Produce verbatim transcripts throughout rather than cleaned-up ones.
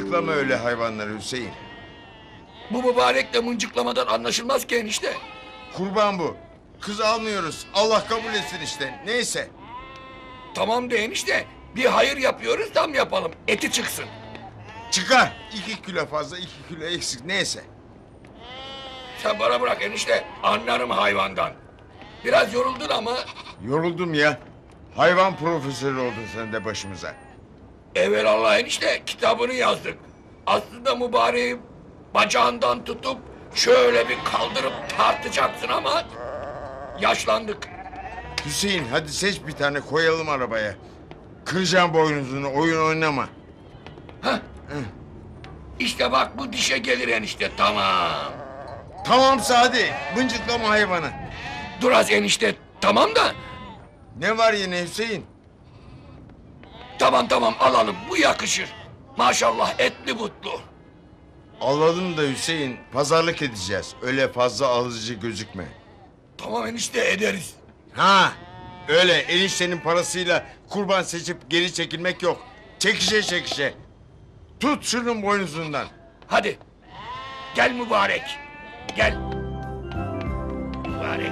Mıncıklama öyle hayvanları Hüseyin. Bu mübarekle mıncıklamadan anlaşılmaz ki enişte. Kurban bu. Kız almıyoruz. Allah kabul etsin işte. Neyse. Tamam de enişte. Bir hayır yapıyoruz, tam yapalım. Eti çıksın. Çıkar. İki kilo fazla, iki kilo eksik. Neyse. Sen bana bırak enişte. Anlarım hayvandan. Biraz yoruldun ama Yoruldum ya. Hayvan profesörü oldun sen de başımıza. evelallah enişte kitabını yazdık. Aslında mübareği bacağından tutup şöyle bir kaldırıp tartacaksın ama yaşlandık. Hüseyin hadi seç bir tane koyalım arabaya. Kıracağım boynuzunu, oyun oynama. Heh. İşte bak bu dişe gelir enişte, tamam. Tamam Sadi. Mıncıklama hayvanı. Dur az enişte, tamam da. Ne var yine Hüseyin? Tamam tamam alalım, bu yakışır. Maşallah etli butlu. Alalım da Hüseyin. Pazarlık edeceğiz. Öyle fazla alıcı gözükme. Tamam enişte, ederiz. Ha, öyle eniştenin parasıyla kurban seçip geri çekilmek yok. Çekişe çekişe. Tut şunun boynuzundan. Hadi. Gel mübarek. Gel. Mübarek.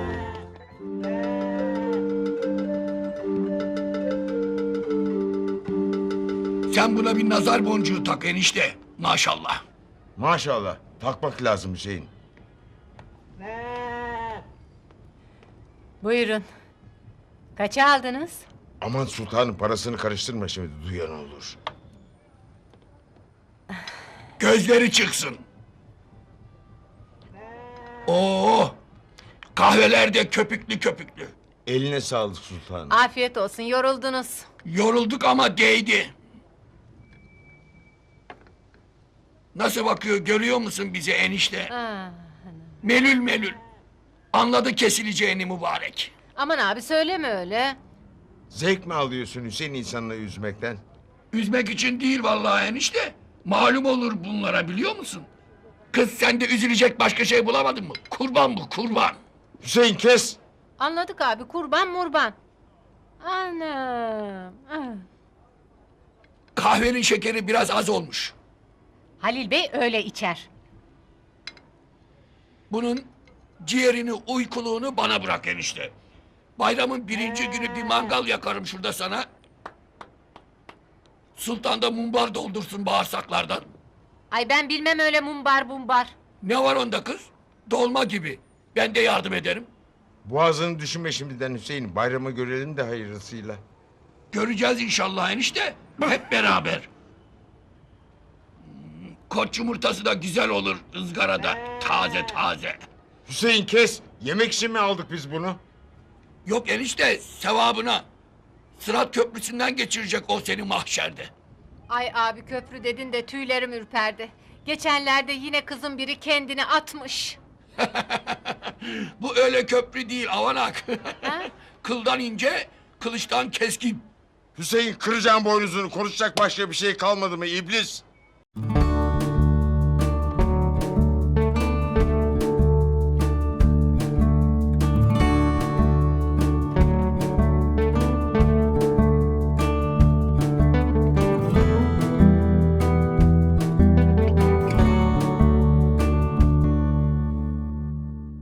Sen buna bir nazar boncuğu tak enişte. Maşallah. Maşallah. Takmak lazım Hüseyin. Buyurun. Kaça aldınız? Aman sultanın parasını karıştırma şimdi, duyan olur. Gözleri çıksın. Oo! Kahveler de köpüklü köpüklü. Eline sağlık sultanım. Afiyet olsun, yoruldunuz. Yorulduk ama değdi. Nasıl bakıyor, görüyor musun bize enişte? Ah, Melül melül. Anladı kesileceğini mübarek. aman abi söyleme öyle. Zevk mi alıyorsun Hüseyin insanları üzmekten? Üzmek için değil vallahi enişte. Malum olur bunlara, biliyor musun? Kız sen de üzülecek başka şey bulamadın mı? Kurban bu, kurban. Hüseyin kes. Anladık abi, kurban murban. Anam. ah. Kahvenin şekeri biraz az olmuş. Halil Bey öyle içer. Bunun ciğerini, uykuluğunu bana bırak enişte. Bayramın birinci günü bir mangal yakarım şurada sana. Sultan da mumbar doldursun bağırsaklardan. Ay ben bilmem öyle mumbar bumbar. Ne var onda kız? Dolma gibi. Ben de yardım ederim. Boğazını düşünme şimdiden Hüseyin. Bayramı görelim de hayırlısıyla. Göreceğiz inşallah enişte. Hep beraber. Hmm, Koç yumurtası da güzel olur ızgarada. Taze taze. Hüseyin kes. Yemek için mi aldık biz bunu? Yok enişte, sevabına. Sırat köprüsünden geçirecek o seni mahşerde. Ay abi köprü dedin de tüylerim ürperdi. Geçenlerde yine kızın biri kendini atmış. Bu öyle köprü değil avanak. Ha? Kıldan ince, kılıçtan keskin. Hüseyin kıracağım boynuzunu. Konuşacak başka bir şey kalmadı mı iblis?